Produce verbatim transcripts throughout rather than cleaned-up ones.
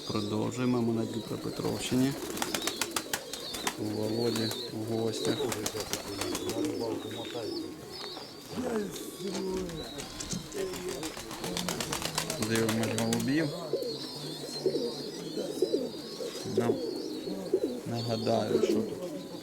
Продовжуємо ми на Дніпропетровщині. У Володі в гостях. Дивимось голубів. Ну, нагадаю, що тут.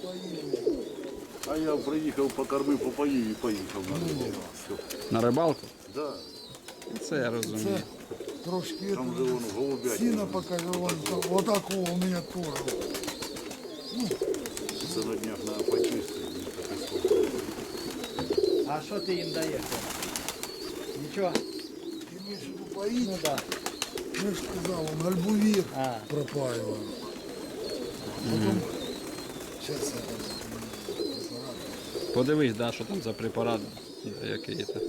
А я приїхав, покормив, попоїв і поїхав на рибалку. На рибалку? Да. Це я розумію. Трошки Там же вон голубятня. сильно покажу, вон, там, вот такого у меня тоже. Це на днях треба почистити. А що ти їм даєш? Нічого? Ты имеешь в виду поить? Ну так. Я же сказал, он альбувир А. пропаивал. Потом, сейчас я там препарат. Подивись, да, що там за препарат який-то.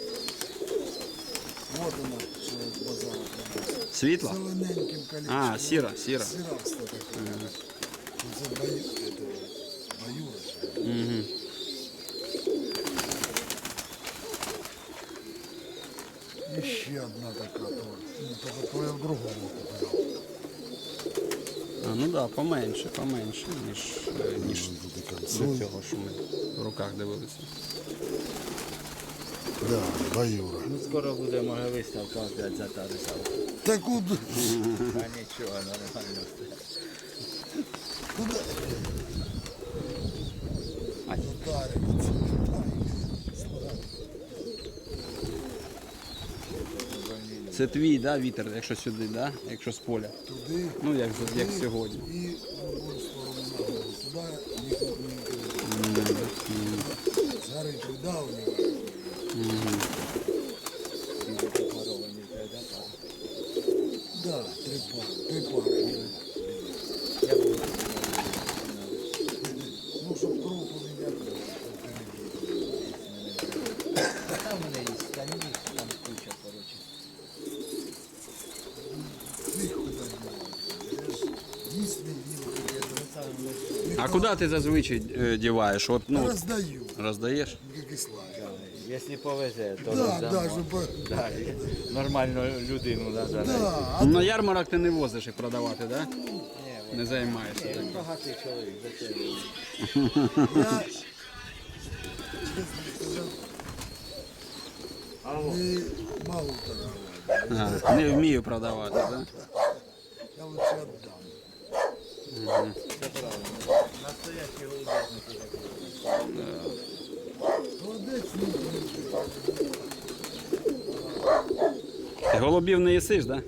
Вот она, что с базара принес. Світло? Зелененьким колечком. А, сіра, сіра. Сираста такая. Это бою, это баюра. Угу. Еще одна такая тоже. Ну, только то я в другому купил. А, ну так, да, поменше, поменше, ніж, е, ніж до цього, що ми в руках дивилися. Да, баюра. Ну скоро буде, може, виставка опять за та рисалка. Так куда? А нічого, нормально все. Куда? А, Затаривается. це твій, да, вітер, якщо сюди, да? Якщо з поля. Туди. Ну, як, як сьогодні. И в другую сторону ногу. Сюда никто не интересует. Зары придавливают. Да, три пары. Три пары. Я буду. Ну, чтоб круг у меня был. Там у мене є стані, там куча, коротше. Их куда девать. Если не А куди ти зазвичай е, діваєш? От, ну, раздаю, роздаєш? как и слава. Якщо повезе, то Да, роздамо. да, чтобы... Да, і нормальну людину треба. Да, а На ярмарок ти не возиш їх продавати, да? Ні, Не займаєшся. він Так. багатий чоловік, зачем? я... честно сказать, не мало торговать. А, не вмію продавати, да? Я лучше отдам. Це правильно. Настоящі голубятники. Молодец, ну, Ти голубів не їсиш, да?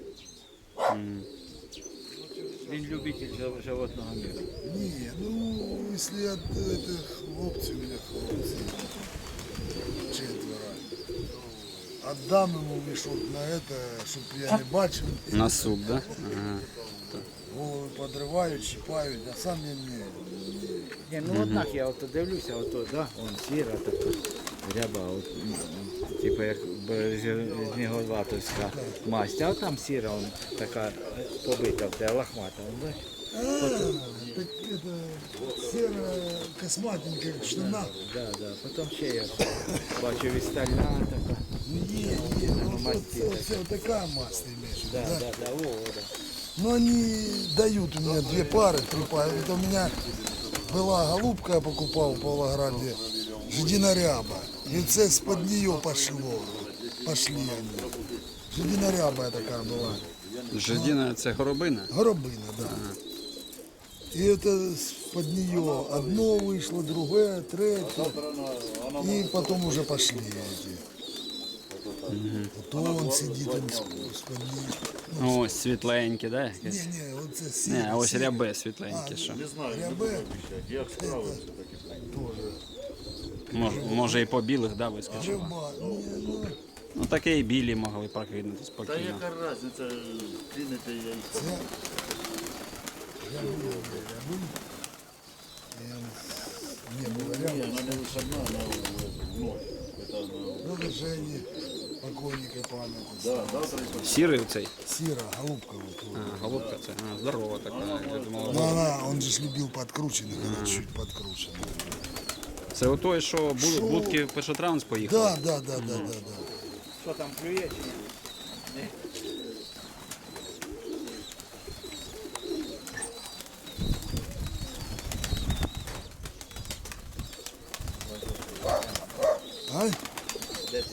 Він любитель жив- животного миру. не, ну, если от этих хлопцев, у меня хлопцы четверо, отдам ему мешок на это, чтобы я не бачил. На суп, да? Ага. Ну, Головы подрывают, щипают, а сам я не... Ні, ну однак я ото дивлюся, ото, да, он сіра така, ряба, от, м, м, типу як Бережніговатовська масть, а там сіра, он така е, побита, в те лохмата, он, бачиш? А, так это серая косматенькая, как штана. Да, да, потім ще я бачу вістальна така, Не, не, ну, вот, масти вот, вот, вот такая масло имеешь в виду, да, да? да, да, о, о, да. Но они дают у меня две пары, три пары. Это у меня была голубка, я покупал в Павлограде, жидиноряба. И це с-под нее пошло. Пошли они. Жидиноряба такая была. Жидіна це горобина? Горобина, да. И это под нее одно вышло, другое, третье. И потом уже пошли эти. Вот он сидит, он с-под нее. Ось світленькі, да? Не, не, вот это Не, синий, а ось синий. рябе світленькі, що. Не знаю, не Рябе буду обіцяти. Як справився, так і тоже. Може, може і по білих, да, вискочив. Рыба, не, ну, Ну таке і білі могли прокинути Та спокійно. яка різниця, кинете яйця. це рябы, рябы. Не было Ні, рябы. вона не висадна, вона в ноль. Це на... Надо Жене, покойника памяти. Да, завтра і Сірий цей. Сира, голубка вот. А, голубка це. А, здорова така. Я думала, Ну, она, он же ж любил подкрученных, она чуть подкручена. це у той, що буд- Що? будки в першотранс поїхали. Да, да, да, да, да, да. Що там клює чи ні?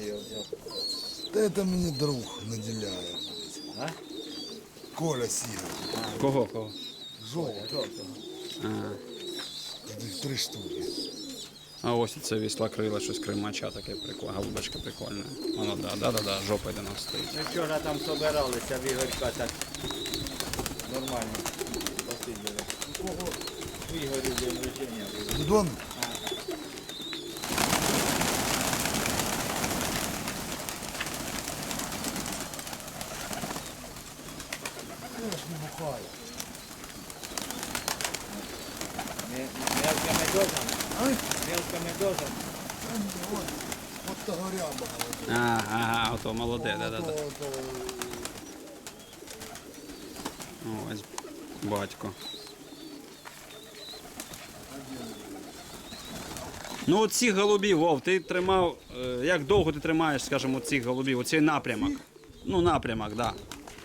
ти його взяв? Та это мне друг наделяет. А? Коля Сіга. Кого? Кого? Жовтий. Жовтого. А, Три штуки. а ось це віслокрила, щось кримача таке прикольне, голубочка прикольна. Воно, да, да, да, да, жопа до нас стоїть. Ми вчора там собиралися в Ігорька так нормально посиділи. Кого? У Ігорі день рождення було. Дідон? Я ж не бухаю. Ме- Мелка медоза? А? Мелка медоза? Та ні, от, от того ряба. А, ага, ото молоде, да, да, да. Ото- ото- Ось батько. Ну от цих голубів, Вов, ти тримав, е, як довго ти тримаєш, скажімо, цих голубів, оцей напрямок? Ну, напрямок, так. Да.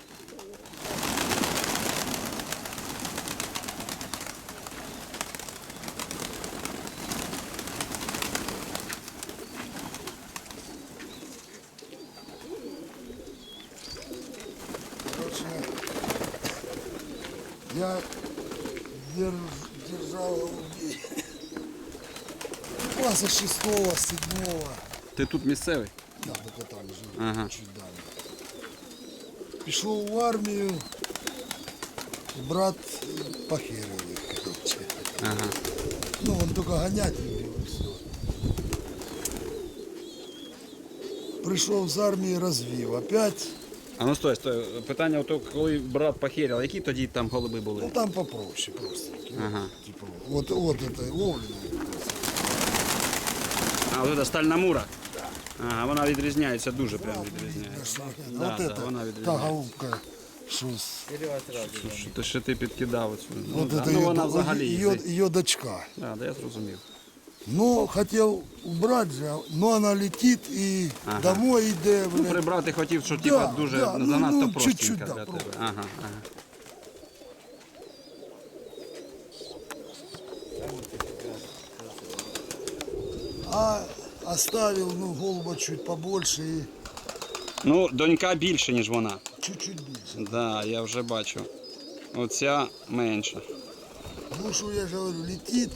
Короче, я держ- держал голубей. Класса шестого, седьмого. Ти тут місцевий? Да, только там жил, Ага. чуть далі. Пішов в армію, брат похерив їх, короче. Ага. Ну, он только гонять любив і все. Прийшов з армії, розвів. Опять, А ну стой, стой. Питання, ото, коли брат похеряв, які тоді там голуби ну були? там попроще просто. Ага. Типа, вот, вот это ловлено. А, ось це стальна мура? Ага, вона відрізняється, дуже прям відрізняється. Да, вот да, это, вона та відрізняється. голубка, що з... Серега сразу. Що ти, що ти підкидав оцю? Ну, Вот да. это Ну, ее, вона взагалі. ее, їздить. ее дочка. Да, да, я зрозумів. Ну, хотел убрать же, но она летит и Ага. домой йде, Ну, блядь. прибрати хотів, що Да, типа дуже да, ну, занадто ну, простенька чуть-чуть, для да, тебе. просто. Ага, ага. А оставил, ну, голуба чуть побольше и Ну, донька більше, ніж вона. чуть-чуть більше. Да, я вже бачу. Оця менша. Ну, что я же говорю, летит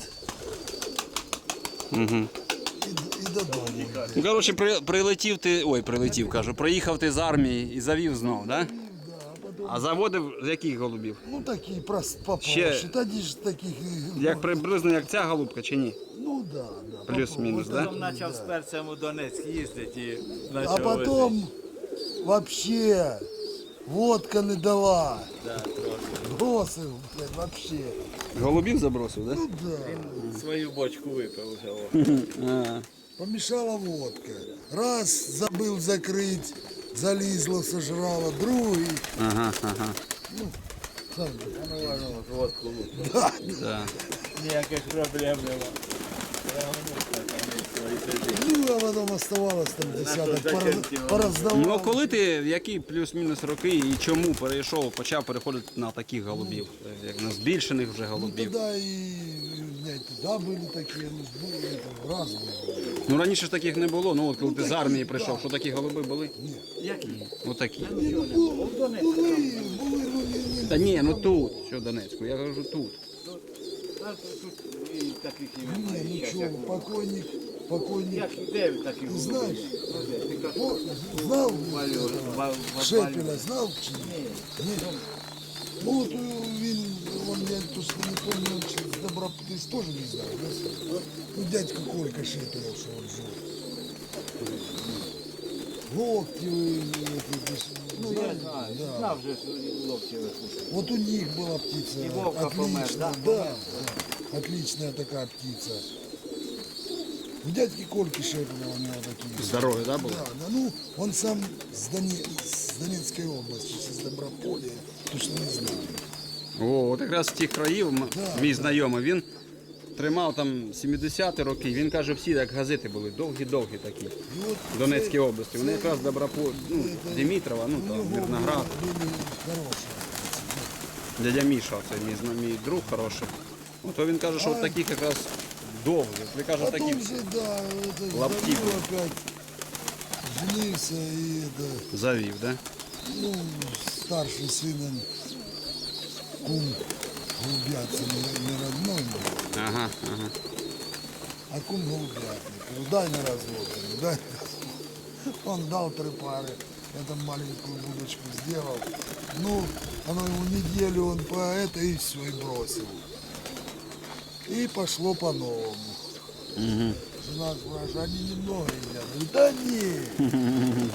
Угу. и, и додому. йде. Ну, коротше, при, прилетів ти. Ой, прилетів, кажу. Приїхав ти з армії і завів знов, да? Да, а потом, А заводив з яких голубів? ну, такі прос- попроще. Ще- Тоді ж таких, і- Як приблизно як ця голубка чи ні? ну, да, да. Плюс-мінус, попробуй. да? Потім почав з перцем у Донецьк їздити і А почав потом вообще водка не дала. возити. Да, трошки. Бросил, блядь, вообще. Голубів забросив, да? Ну да. Він свою бочку випив вже. о. А, Помешала водка. Раз забыл закрыть, залізла, сожрала, другий. ага, ага. Сам, А ну ладно, от водку лупив. да. Да. Ніяких проблем нема. Прямо так, вони свої сидять. Ну, а потом оставалось там десяток, зачем пораз, ті вони? пораздавал. Ну, а коли ти, в які плюс-мінус роки і чому перейшов, почав переходити на таких голубів, як на збільшених вже Ну, голубів? тогда и, у меня и туда были такие, ну, были это, разные были. Ну раніше ж таких не було. Ну от коли Ну, ти з такі, армії да. прийшов, що такі голуби були? Які? Отакі. Ну, були, були, ну, не, не, Та ні, ну тут, що в Донецьку, я кажу тут. А тут тут і таких і не, немає. ну Щас что, як- покойник, покойник, Як де такі голуби? знаєш? Ну, де? Ти кажеш, о, знал Валю, Ва- Ва- Шепеля, знал чи ні? Ні. Ні. Ну от е, він, он, я точно не помню, чи з Добра, ти ж теж не знав, да? Ну, дядька Колька Шепеля, що он жив. Локтевый, эти, ты ж Ну, я знал? знаю. Да. Знав же, що локті випустив. Вот у них была птица, И Вовка помер, отличная, да? да, да, отличная такая птица. У дядьки Кольки Шепеля у него такие. Здорові, да, були? Да, да, ну, он сам с, Доне... с Донецкой области, с Доброполя, точно не знаю. О, от якраз з тих країв м- Да, мій да. знайомий, він тримав там сімдесяті роки, він каже, всі як газети були, довгі-довгі такі. И вот В Донецькій це- області. Вони це- якраз Добропо, ну, це- Димитрова, ну у там, него Мирноград. были, были хорошие. Дядя Міша, це мій, зна- мій друг хороший. Ну, то він каже, що от таких якраз довгих. Ви каже, такі. Потом же, да, это лаптипы. завел опять женился и это, Завів, да? ну, старший сын, он кум голубятся не, не родной был, Ага, ага. а кум голубятник. Говорю, дай на развод, говорю, дай на развод. Он дал три пары, я там маленькую будочку сделал. Ну, оно ему неделю он по это и все, и бросил. И пошло по-новому. Угу. Жена спрашивает, они немного едят. Говорю, да нет.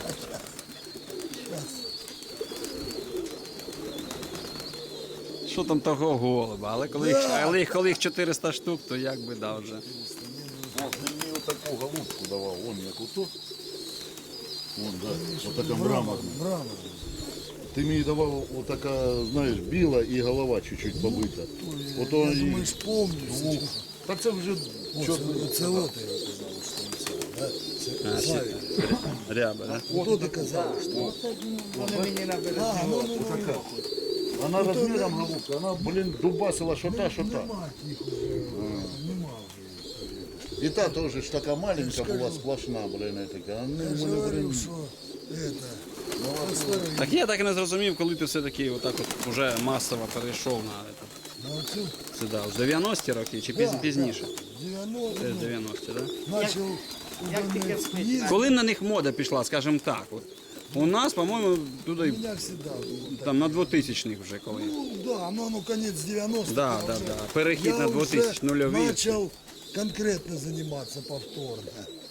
Що там того голуба? Але коли, їх, Да. але їх- коли їх чотириста штук, то як би да вже. Он мені отаку голубку давав, он як ото. Вон, да, отака Мрамор, мраморна. мрамор. Ти мені давав отака, знаєш, біла і голова чуть-чуть побита. Ото Я і... думаєш, помню. Ну, так це вже Оце, чорний. оце от я казав, що це, да? А, Це ще- Славік. Ряба, да? Хто ти казав, що? Вони мені на березі. А, ну, ну, ну, Така. Вона розміром голубка, вона, блін, дубасила що та, що та. нема їх уже, нема вже. І та теж ж така маленька була, сплошна, блін, така. А Я вони, ж вони, говорив, блін, що это, ну, старий. Так я так і не зрозумів, коли ти все-таки отак от уже масово перейшов на это, На оцю сюди. В дев'яності роки чи піз- Да, пізніше? дев'яносто, Це ну, дев'яності, так? начал у як тільки Донецьк встиг, їздити. Коли на них мода пішла, скажімо так, от, у нас, по-моєму, У туди меня всегда было так. там на двохтисячних вже коли. Ну да, ну, ну конец девяностых. Да, я да, уже- да. Перехід я на двохтисячні, уже нульові. начал конкретно заниматься повторно.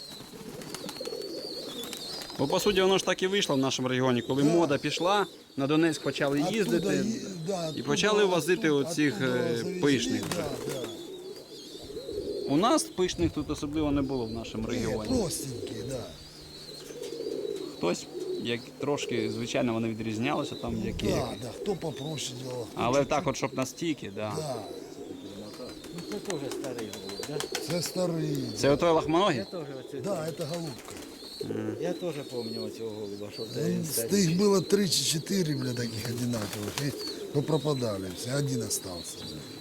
Бо по суті воно ж так і вийшло в нашому регіоні, коли мода пішла, на Донецьк почали Оттуда їздити. и- да, і почали возити оттуда- оцих, оттуда е, завезли, пишних Да, вже. да. У нас пишних тут особливо не було в нашому Не, регіоні. простенькие, да. Хтось, як трошки, звичайно, вони відрізнялися там, які. Да, да, кто попроще делал. Але так, от щоб настільки, да. Да, Ну це теж старий голуб, да? це старий. Це отой лахмоногий? Я теж оце. Да, это голубка. Я теж пам'ятаю цього голуба, що це Ну, він Их старий. было три чи четыре, бля, таких одинаковых. И попропадали все, один остался.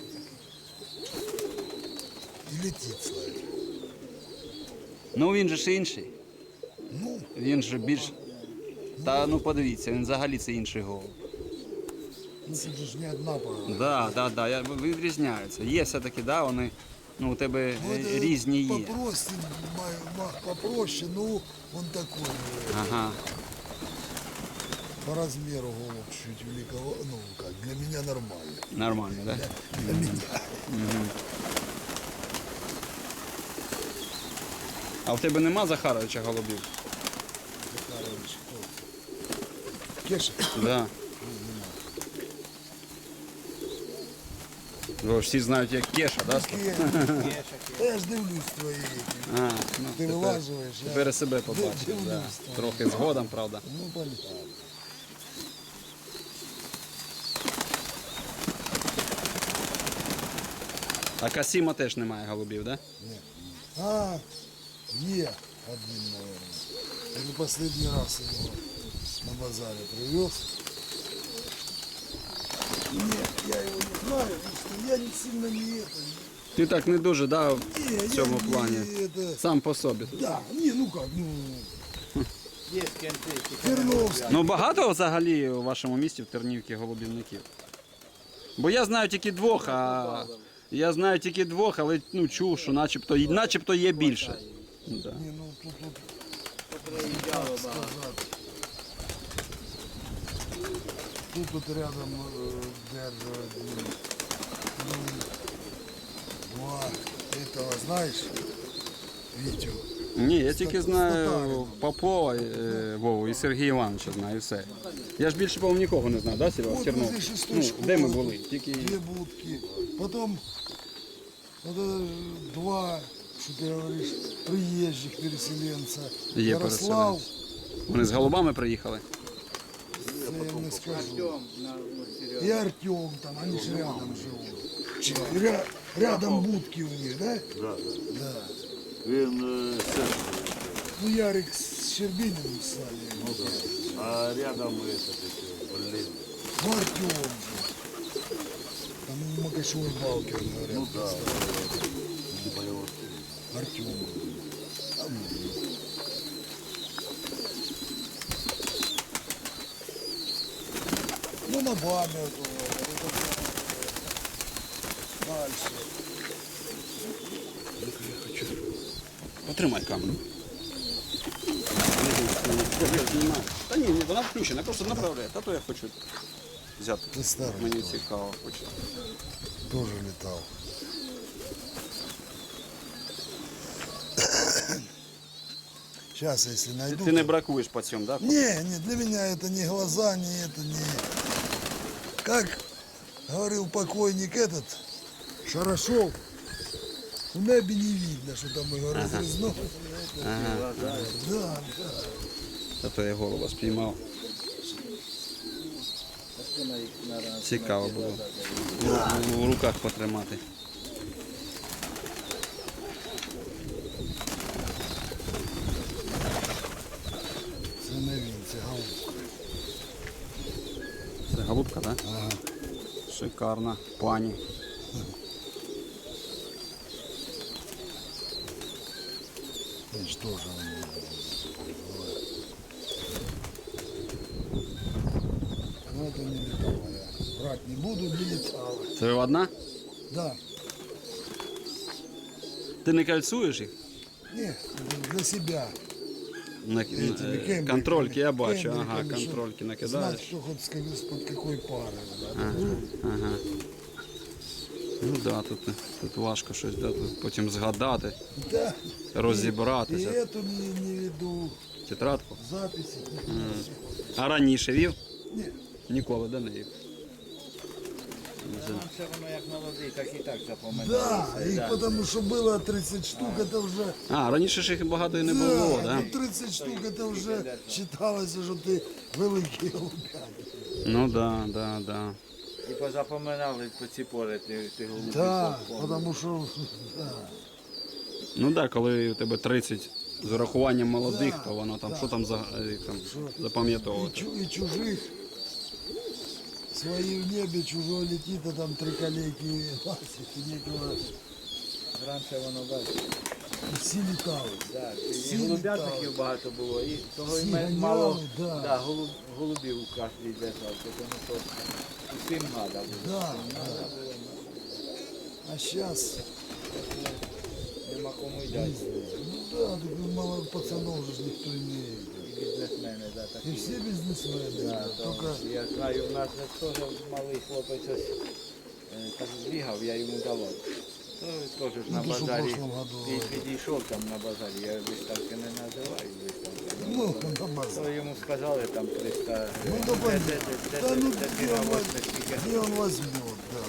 И летит, Славик. Ну він же ж інший. Ну, Він же більш. Та ну подивіться, він взагалі це інший голуб. ну тут же ж не одна пара. Да, да, да, я, відрізняються. Є все-таки, да, вони, ну, у тебе Ну, е, это різні є. Попроще, ма- ма- попроще, ну, он такой, э, Ага. по размеру голубь чуть великого, ну, как, для меня нормально. Нормально, да? Для меня. А в тебе нема Захаровича голубів? Захарович, кто? Кеша? Да. Бо всі знають, як Кеша, да? Кеша. Я ж дивлюсь твої. эти. А, ну, Ти тепер, вилажуєш, я тепер і себе побачив, дивлюсь да. там. Трохи згодом, правда. Ну, понятно. А Касіма теж немає голубів, да? А, е, один, наверное. Я же последний раз его на базаре привез. Нет, я его не знаю, потому что я не сильно не это. Ти так не дуже, да, в Не, я цьому не плані. это. Сам по собі. Да, не, ну как, ну, Є кенти, Терновский. Ну багато взагалі у вашому місті в Тернівці голубівників? Бо я знаю тільки двох, а я знаю тільки двох, але ну чув, що начебто, начебто є більше. Да. Не, ну тут, тут приїжджало багато. сказать. Тут вот рядом э, держу один, ну, два, этого знаешь, Витю. Ні, я тільки З знаю татарина. Попова, е, Вову і Сергія Івановича знаю, і все. Я ж більше, по-моєму, нікого не знаю, да, Серега? Вот Тернов? возле шестой Ну, школы. де ми були? Тільки... Две будки. Потом вот это два, что ты говоришь, приезжих переселенца. Є Ярослав, Вони з голубами приїхали? це я не скажу. Артем на ну, Серега. И Артем там, они же рядом живут. Чи- ря- рядом будки у них, да? Да, да. Да. Він е, це, Ну, Ярик с Щербининым с нами. ну, да. А рядом это, таки, блин. Ну, Артем же. Там Макашевой Балкер, говорят. Ну да. Артем. Ну, на баме вот, вот, дальше. Потримай камеру. Та ні, вона включена, просто направляє. Та то я хочу взяти. Ти старий. Мені цікаво хочу. Тоже летал. Сейчас, если Ти, найду... ти не то- бракуєш по цьому, так? Да? Не, не, для меня это не глаза, не это, не... Как говорил покойник этот, Шарашов, в небе не видно, что там его разрезнуло. Ага. Да, да. Та то я голова спіймав. Цікаво було. У, у руках потримати. Це не він, це голубка. Це голубка, так? Да? Ага. Шикарна пані. Він ж теж он, ну это не летало я. Брать не буду, не летало. Це одна? Да. Ти не кальцуєш їх? Не, для себя. На, Этими е, кембриками, контрольки я бачу, ага, кембриками, щоб контрольки Знать, накидаєш. что хоть сказать, под какой парой. Да. Ага, ага. Ну так, да, тут, тут важко щось, да, тут потім згадати, Да. И розібратися. эту не, не веду, Тетрадку. записи. А раніше вів? Не, Ніколи, да, не вів. Нам все воно як молодий, так і так запам'яталося. да, их потому что было тридцать штук, это уже... А, раніше ж їх багато і не було, да, да? ну, тридцать штук, это уже считалось, что ты великий голубятник. Ну да, да, да. І позапоминали по ці пори ти, ти голубі. Да, помниш. потому что... Да. Ну так, да, коли у тебе тридцять з урахуванням молодих, то воно там, що там за е, там, И, запам'ятовувати. чу- и чужих, свои в небе, чужой летит, а там три коллеги лазят, и некого... Раніше воно бачиш. И все летали. Да, Всі і голубятників літали. багато було, і того Всі і ме- ганяли, мало да. да, голуб, голубів у кожній держав, тому що усім треба було. Да, Всім да. надо було. А сейчас, Нема кому й дати. ну да, так мало пацанов же ж никто не... І бізнесмени, да, такі. И все бизнесмены, Да, то только... я знаю, у нас же теж малий хлопець ось е, так збігав, я йому давав. То теж ж на Ну, то, що в базарі прошлом году, пі- это. підійшов там на базарі, я виставки не називаю виставки. Ну, на базар. То йому сказали там триста Ну, да, де- де- де- да, де- ну, де ти где на он, восьми воз- скільки? где он возьмет, да.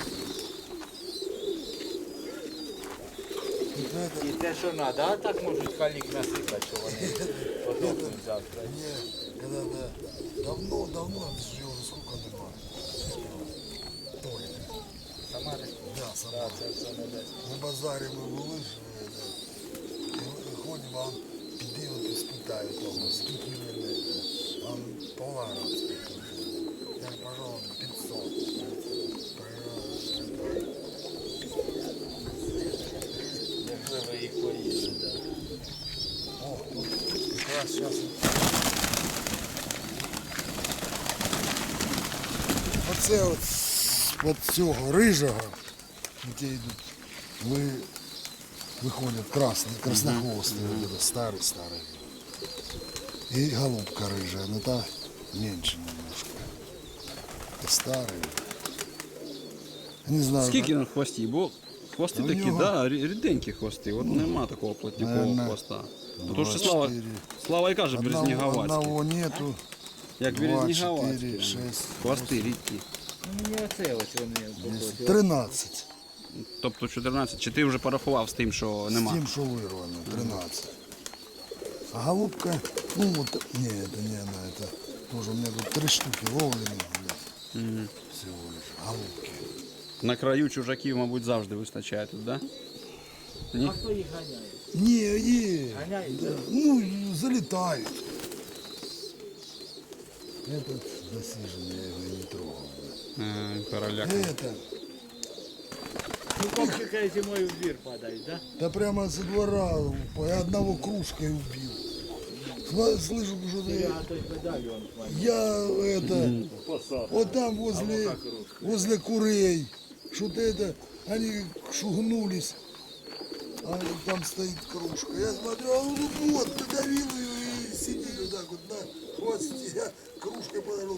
Вот это, І те, що треба, а так можуть калік насипати, що вони подохнуть завтра. мне, когда да, давно, давно, это же уже сколько нема. Ой, Самари? да, сама. Так, це все не десь. На базарі ми були ж, е, і виходимо, а он піди от і спитає того, скільки він, е, а он полара спитає. Я говорю, пожалуйста, пятьсот. Можливо, їх поїде, так. О, вот якраз зараз. Оце от з цього рижого, які йдуть, ви, виходять красні, краснохвості, mm старий, старий. І голубка рижа, ну та менше немножко. Та старий. Не знаю. Скільки на хвості? Бо хвости У такі, нього- да, рі- ріденькі хвости. От нема такого плотнікового Наверно, хвоста. два, Тому що Слава, чотири. Слава і каже, Одного, березніговацькі. одного нету. Як два, березніговацькі. чотири, шесть, Хвости рідкі. Ну, мені оце ось вони похожі. тринадцять. Тобто чотирнадцять. Чи ти вже порахував з тим, що З нема? тем, что вырвано, тринадцать. А голубка, ну вот, не, это не она, это тоже у меня тут три штуки ловлены, Мгм. всего лишь, голубки. На краю чужаків, мабуть, завжди вистачає тут, да? Ні? А хто їх ганяє? Не, не, Ганяють? да, ну, залетают. Этот засиженный, я его не трогал. Е, Короляк. Это, Ну, комчика зимою в двір падають, так? да прямо со двора, я одного кружкой убил. Сла- Слышу, что Да? ты, А той медальон. я это, посадка. Вот там возле, возле курей. Что-то это, они шугнулись. А там стоит кружка. Я смотрю, а он вот, придавил ее и сидит вот так вот на хвосте. Я кружкой подошел,